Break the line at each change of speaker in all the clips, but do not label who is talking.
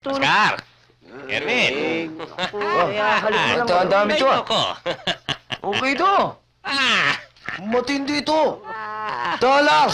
Oscar! Erwin!
Ito, ang dami ito, ah.
Ako.
Okay to.
Ah!
Matindi ito. Dollars.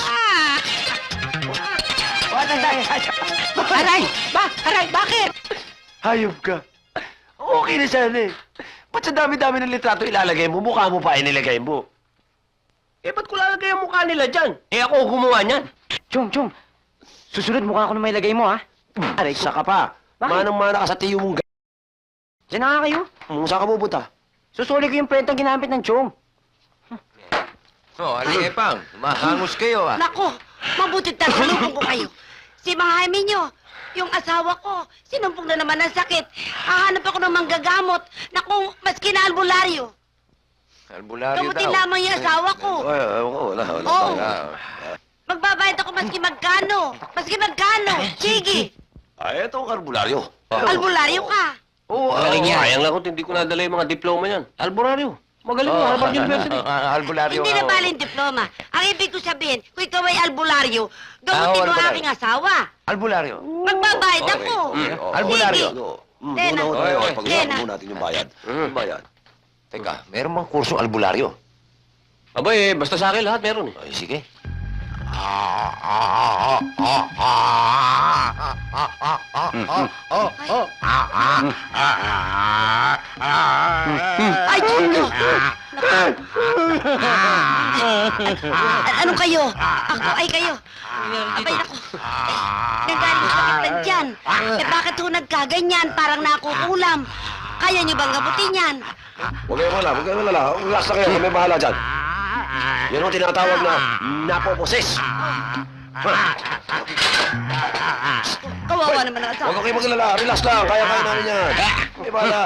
Aray! Aray, bakit?
Hayop ka. Okay na sana eh. Ba't sa dami-dami ng litrato ilalagay mo? Mukha mo pa inilagay mo.
Eh, ba't ko lalagay ang mukha nila dyan? Eh, ako gumawa niyan.
Chong, susunod mukha ko na may lagay mo, ha?
Aray, saka pa.
Bakit?
Manang-mana ka sa tiyo mong
Diyan na nga kayo.
Saan ka pupunta?
Susuli ko yung prentang ginamit ng Chong.
Oh, Aling-Epang, mahangos kayo, ah.
Nako, mabuti tatanungin ko kayo. Si Mang Jaime nyo, yung asawa ko, sinumpong na naman ng sakit. Hahanap ako ng manggagamot. Naku, maski na albularyo.
Albularyo
Gamutin
daw.
lamang yung asawa ko.
Ay, wala.
Oo.
Ah,
Magbabayad ako maski magkano. Maski magkano. Sige,
Ay, ito ang karbularyo.
albularyo ka.
Oo,
Magaling yan. Sayang lang kung hindi ko nadala yung mga diploma niyan. Alboraryo. Magaling mo, Harvard University.
albularyo.
Hindi na bali yung diploma. Ang ibig ko sabihin, kung ikaw ay albularyo, gamutin mo ang
albularyo.
aking asawa.
Albularyo.
Magbabayad
Okay.
ako.
Albularyo.
Sige.
Tena.
Oy,
Pag-usapan
Tena.
mo natin yung bayad. Yung bayad.
Teka, meron bang kursong albularyo?
Aba eh, basta sa akin lahat meron eh.
Ay, sige.
Ay, Chundo! Ano kayo? Ako ay kayo. Abay, naku. Nagaling sa kitan dyan. Eh, bakit ho nagkaganyan? Parang nakukulam. Kaya niyo bang gabutin yan?
Huwag kayong malala. Relax na kayo, kami bahala dyan. Yan ang tinatawag na napoposes.
Kawawa naman ang asawa.
Huwag kayong maglala. Relax lang. Kaya namin yan. Kami bahala.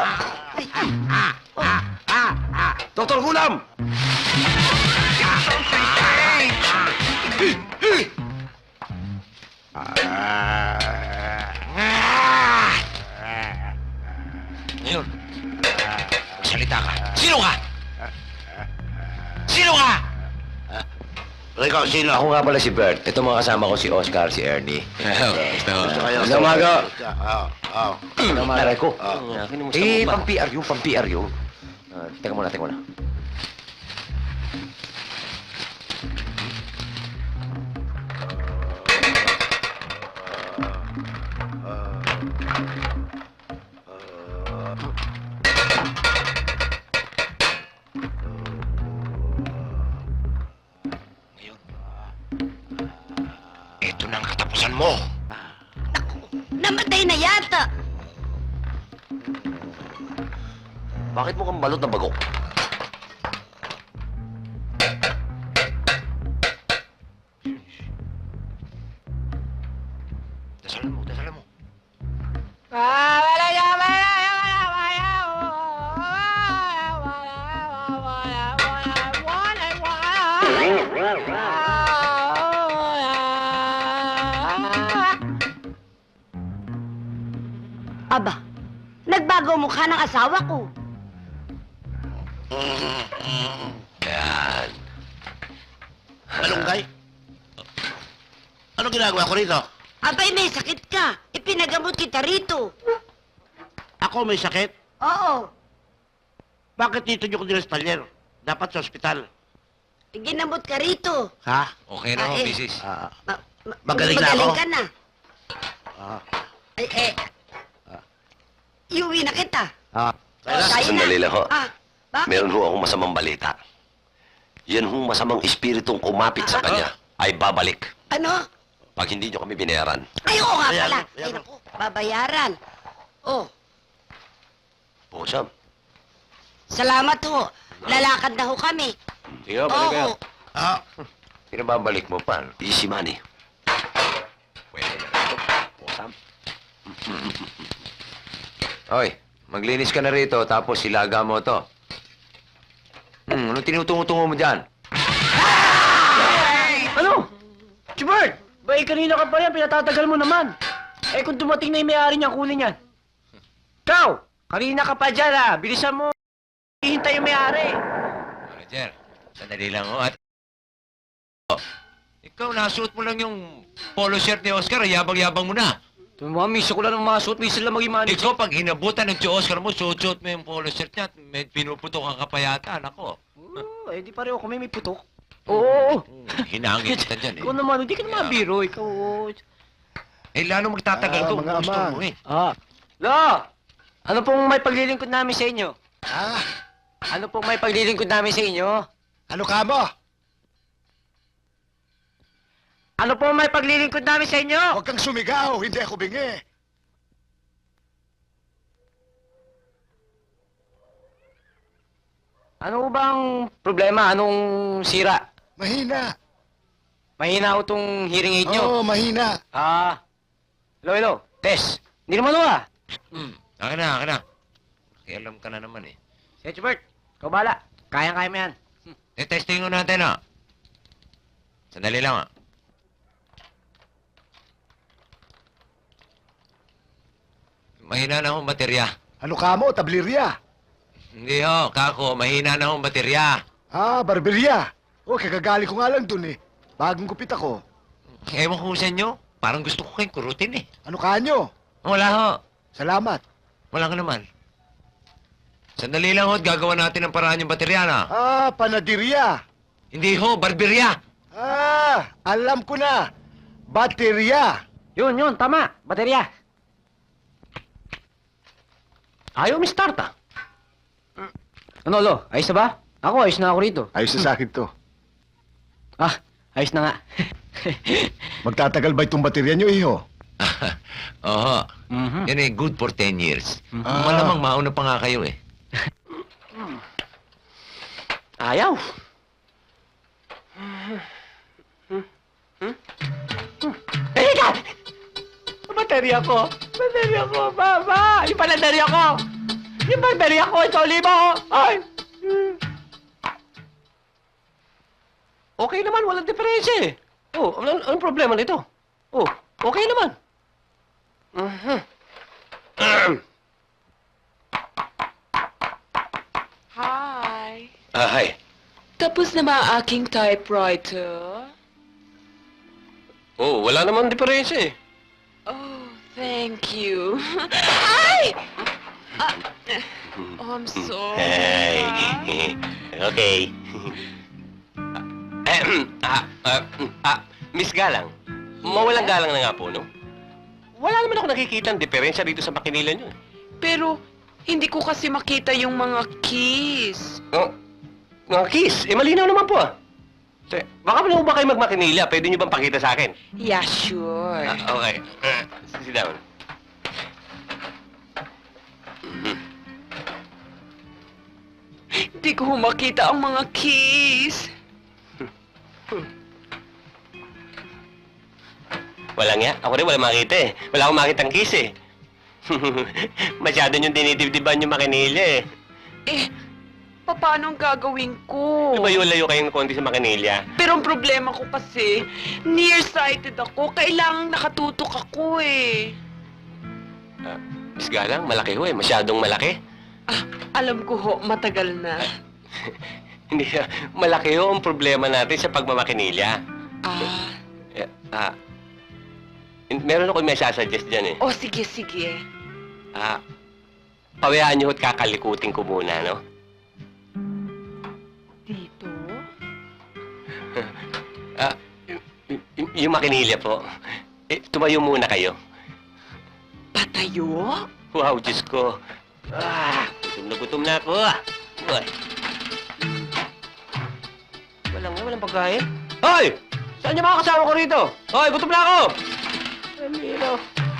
Doktor Gulam!
Ngayon, magsalita ka. Sino ka? Sino ka?
Ikaw, sino?
Ako nga pala si Bert. Ito mga kasama ko si Oscar, si Ernie.
Magandang umaga.
Magandang umaga ko.
Akin mo sa
Eh,
mukha.
pang-PR yun. Teka muna. Ngayon, ito na ang katapusan mo.
Namatay na yata.
Bakit mo kang balot na bagok?
Dasalan mo.
Aba, nagbago ang mukha ng asawa ko.
Yan.
Malunggay? Ano ginagawa ko rito?
Abay, may sakit ka. Ipinagamot kita rito.
Ako may sakit?
Oo.
Bakit dito nyo ko dinastalyer? Dapat sa ospital.
Ginamot ka rito.
Ha?
Okay na ho,
Ah, eh.
misis.
Magaling na ako?
ka na.
Ah.
Iuwi na kita.
Kaya
Kaya na.
Sandali lang ho.
Bakit?
Meron ho akong masamang balita. Yan hong masamang espiritong kumapit sa kanya ay babalik
Ano?
pag hindi nyo kami binayaran.
Ay, oo nga
Bayaran,
pala. Ay,
bayaran.
naku, babayaran. Oh,
Oo, Sam.
salamat ho. Lalakad na ho kami.
Sige, balik kayo.
Oo.
Ah,
Pinababalik mo pa.
Easy money.
Pwede na rin.
Oo, Sam.
Hoy, maglinis ka na rito, tapos ilaga mo to. Anong tinutungo-tungo mo dyan?
Ano? Chibert! Ba, kanina ka pa yan, pinatatagal mo naman. Eh, kung dumating na yung may-ari niya, kunin yan. Ikaw! Kanina ka pa dyan, ha? Bilisan mo. Hihintay yung may-ari.
Roger, sandali lang ho. At... Ikaw, nasuot mo lang yung polo shirt ni Oscar, yabang-yabang mo na.
Tumamiso ko lang ng mga suot, minsan lang maging manager.
Ikaw, pag inabutan ng Oscar mo, suot mo yung polo shirt niya at may pinuputok ang kapayatan. Ako,
Eh, di pareho kami may putok. Oo.
hinangin kita dyan eh.
Ikaw naman, hindi ka naman biro. Ikaw,
Eh, lalo magtatagal to.
mga
Gusto
ama.
mo eh.
Lo! Ano pong may paglilingkod namin sa inyo?
Ah,
Ano pong may paglilingkod namin sa inyo?
ano ka mo?
Ano pong may paglilingkod namin sa inyo?
Huwag kang sumigaw, hindi ako bingi.
Ano bang problema? Anong sira?
Mahina.
Mahina ho tong hearing aid nyo.
Oo, mahina.
Hello. Tess. Hindi naman ho
Akin na. Alam ka na naman eh.
Si Bert, ikaw bahala. Kaya mo yan.
Testing natin ah. Sandali lang ah. Mahina na akong baterya.
Ano ka mo, tablirya?
Hindi ho, kako, mahina na akong baterya.
Ah, barberya. Oh, kagagali ko nga lang dun eh. Bagong gupit ako.
Ewan ko sa inyo, parang gusto ko kayong kurutin eh.
Ano ka nyo?
Wala ho,
Salamat.
wala ka naman. Sandali lang ho, at gagawa natin ang paraan yung baterya na.
Ah, panadirya.
Hindi ho, barberya.
Ah, alam ko na. Baterya.
Yun, tama. Baterya.
Ayaw mi-start ah.
Ano, Lo? Ayos na ba? Ako, ayos na ako rito.
Ayos na sa akin to.
Ayos na nga.
Magtatagal ba itong baterya nyo, iho?
Oo,
Mhm.
yan eh, good for 10 years.
Ah.
Malamang mauna pa nga kayo eh.
Ayaw.
Teka! Baterya ko! Baba! Yung baterya ko! Yung baterya ko! Ito, libo! Ay!
Okay naman, walang diferensya eh. Oh, anong problema nito? Oh, okay naman.
Hi.
Hi.
Tapos na ba ang aking typewriter?
Oh, wala naman diferensya eh.
Oh, thank you. Ay! Oh, I'm sorry.
Okay. Miss Galang, mawalang galang na nga po, no? Wala naman ako nakikita ang diferensya dito sa makinila nyo.
Pero, hindi ko kasi makita yung mga keys.
Oh, mga kiss, malinaw naman po ah. Baka mo ba kayo magmakinila? Pwede nyo bang pakita sa akin?
Yeah, sure.
Okay. Sit down.
Hindi ko makita ang mga keys.
Wala nga. Ako rin wala makita eh. Wala akong makita ang kiss eh. Masyado nyo dinidibdiban yung makinilya eh.
Eh, paano ang gagawin ko?
Lumayo-layo kayong konti sa makinilya.
Pero ang problema ko kasi, nearsighted ako. Kailangang nakatutok ako eh.
Miss Galang, malaki ho eh. Masyadong malaki.
Alam ko ho, matagal na.
Hindi, malaki ho ang problema natin sa pagmamakinilya. Meron ako may sasuggest dyan eh.
Oh, sige, sige.
Pawayaan niyo ho't kakalikutin ko muna, no?
Dito?
Yung makinilya po. Tumayo muna kayo.
Patayo?
Wow, Diyos ko. Gutom na ako. Boy. Walang pagkain. Hoy! Saan yung mga kasama ko rito? Hoy, gutom na ako! Emilio.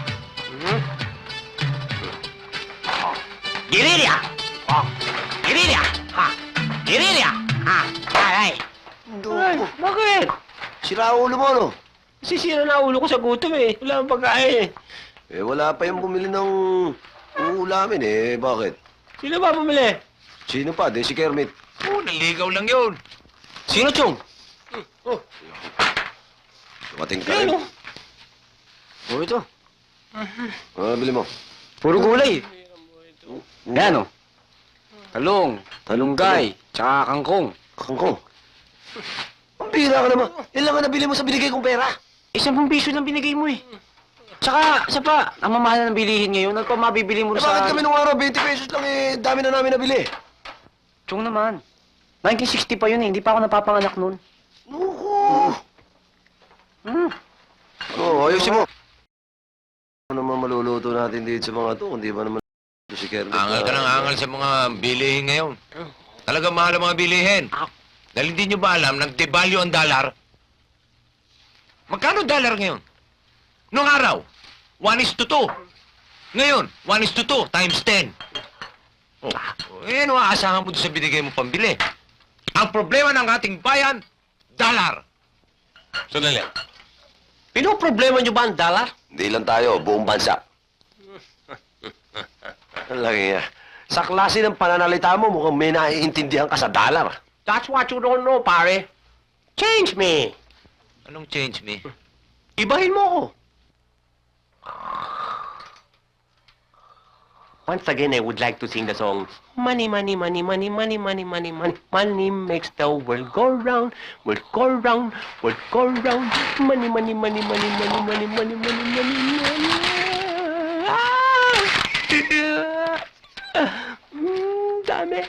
Girilya! Oh, Girilya! Ha! Girilya! Ha! Aray!
Ay, bakit?
Sira ulo mo, no?
Sisira na ulo ko sa gutom eh. Wala akong pagkain eh.
Eh, wala pa yung bumili ng ulamin eh. Bakit?
Sino ba bumili?
Sino pa? Di si Kermit.
Oh, naligaw lang yun.
Sino, Chong?
Dumating ka
Ano?
rin.
Oh, ito.
Bili mo.
Puro gulay. Yan, oh. Talong, talunggay, tsaka kangkong.
Kangkong. Ang bira ka naman. Yan lang ang nabili mo sa binigay kong pera.
10 piso lang binigay mo eh. Tsaka, isa pa, ang mamahal ng bilihin ngayon, ano pa mabibili mo
Eh,
sa...
bakit kami nung araw 20 pesos lang eh, dami na namin nabili.
Chong naman. 1960 pa yun eh, hindi pa ako napapanganak noon.
Nuku! Oo, ayusin mo. Ano naman maluluto natin dito sa mga to, hindi ba naman si Kermit?
Angal ka ng angal sa mga bilihin ngayon. Talagang mahal ang mga bilihin. Dahil hindi nyo ba alam, nag-devalue ang dollar? Magkano dollar ngayon? Noong araw, 1:2. Ngayon, 1:2 times 10. Oh, eh, ano aasahan mo doon sa binigay mo pambili? Ang problema ng ating bayan, dollar. Sandali.
Pinoproblema nyo ba ang dollar?
Hindi lang tayo, buong bansa. Ang laki nga. Sa klase ng pananalita mo, mukhang may naiintindihan ka sa dollar.
That's what you don't know, pare. Change me.
Anong change me?
Ibahin mo ako. Once again, I would like to sing the song, Money, money, money, money, money, money, money, money. Money makes the world go round, world go round, world go round. Money, money, money, money, money, money, money, money, money, money. Dami.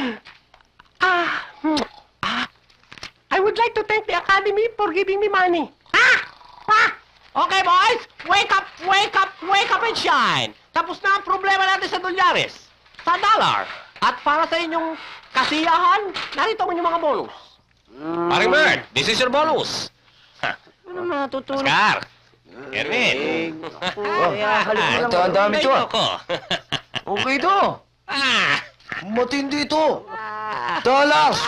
I would like to thank the Academy for giving me money. Okay, boys! Wake up, wake up, wake up and shine! Tapos na ang problema natin sa dolyares, sa dollar. At para sa inyong kasiyahan, narito ang inyong mga bonus.
Paring Bert, this is your bonus.
Ano natutulog?
Oscar! Erwin!
Ito, ang dami to, ah.
Ayoko.
Okay to.
Ah!
Matindi to. Dollars!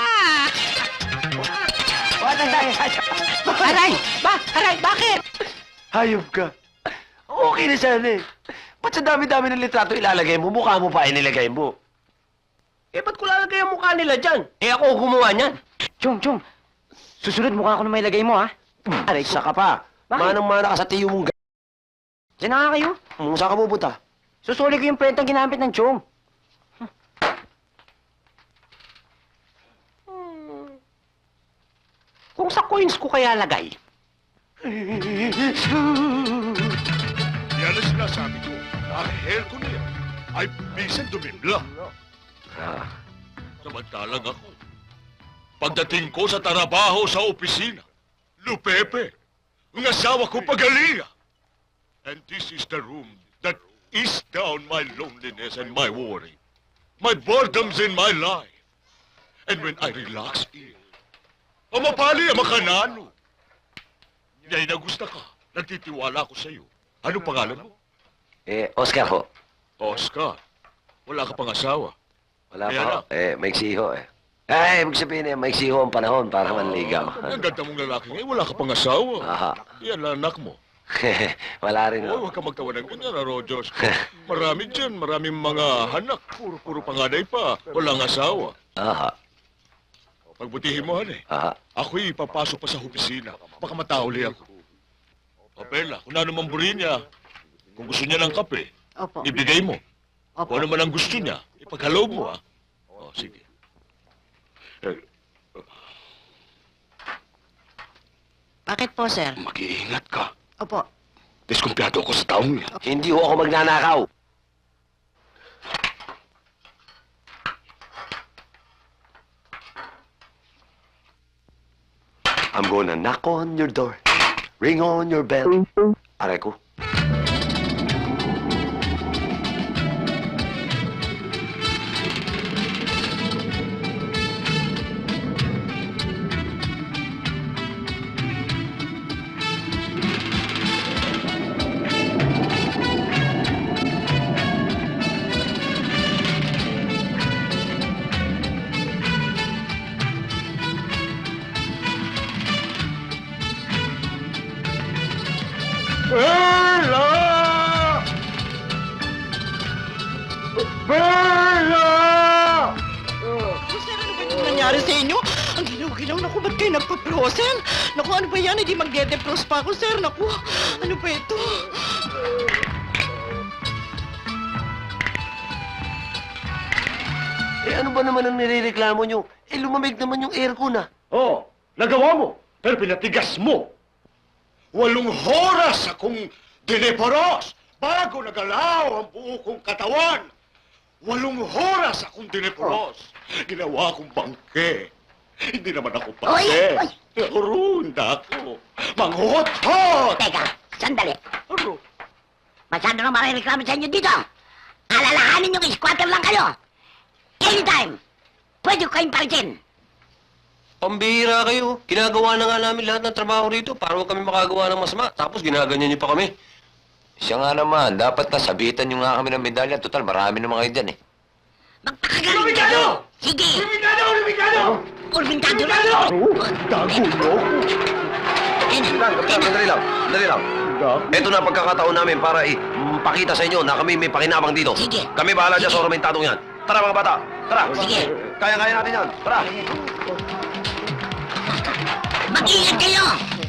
Aray! Aray, bakit?
Hayop ka. Okay na sana eh. Ba't sa dami-dami ng litrato ilalagay mo, mukha mo pa inilagay mo?
Eh, ba't ko lalagay ang mukha nila dyan? Eh, ako gumawa niyan.
Chong, susunod mukha ko na may lagay mo, ha?
Aray, saka pa.
Bakit?
Manang-mana ka sa tiyo mong
Diyan na nga kayo.
Saan ka pupunta?
Susuli ko yung prentang ginamit ng Chong.
Kung sa coins ko kaya lagay.
Yan ang sinasabi ko. Ang hair ko na yan ay bisan dumimla. Samantalang ako, pagdating ko sa trabaho sa opisina, Lupepe, ang asawa ko pagalinga. And this is the room that ease down my loneliness and my worry, my boredoms in my life. And when I relax in, mapali ang makanano. Yay na gusto ka. Nagtitiwala ko sa iyo. Anong pangalan mo?
Oscar ho.
Oscar. Wala ka pang asawa.
Wala
Kaya
pa ho. Maiksi ho eh. Ibig sabihin maiksi ho ang panahon para manligaw.
Ang ganda mong lalaki ngayon. Wala ka pang asawa.
Aha.
Yan ang anak mo.
Wala rin
Oh,
ho.
huwag ka magtawa ng ganyan, Diyos. Marami dyan. Maraming mga anak. Puro panganay pa. Walang asawa.
Aha.
Pagbutihin mo, han eh.
Aha.
Ako'y papasok pa sa opisina. Baka matauli ako. Papela, kung ano man buri niya, kung gusto niya ng kape,
Opo.
ibigay mo.
Opo.
Kung ano man ang gusto niya, ipaghaloob mo, ha? O, sige.
Bakit po, sir?
Mag-iingat ka.
Opo.
Diskumpiyado ako sa taong yan.
Hindi ho ako magnanakaw. I'm gonna knock on your door, ring on your bell. Aray ko.
Sir, ano ba yung nangyari sa inyo? Ang ginaw-ginaw. Naku, ba't kayo nagpa-frozen? Naku, ano ba yan? Hindi magde-defrost pa ako, sir. Naku, ano ba ito?
Ano ba naman ang nirereklamo nyo? Lumamig naman yung aircon ah.
Oo, nagawa mo, pero pinatigas mo. 8 oras akong Diniporos! Bago nagalaw ang buo kong katawan, 8 oras akong diniporos. Ginawa kong bangke. Hindi naman ako pangke.
Oy!
Runda ako. Manghuhot-hot!
Teka, sandali.
Aro.
Masyado nang marireklamo sa inyo dito. Alalahanin yung squatter lang kayo. Anytime, pwede ko kayong palitin.
Pambihira kayo. Ginagawa na nga namin lahat ng trabaho rito para huwag kami makagawa ng masama. Tapos ginaganyan niyo pa kami.
Siya nga naman, dapat nasabitan nyo nga kami ng medalya. Total, marami naman kayo dyan eh.
Magpakagaling kayo! Sige!
Lumikado! Lumikado!
Urbintado lang!
Dagulo!
Sandali lang. Ito na pagkakataon namin para ipakita sa inyo na kami may pakinabang dito.
Sige.
Kami bahala dyan sa ormentadong yan. Tara mga bata, tara.
Sige.
Kaya-kaya natin yan. Tara.
Mag-ingat kayo!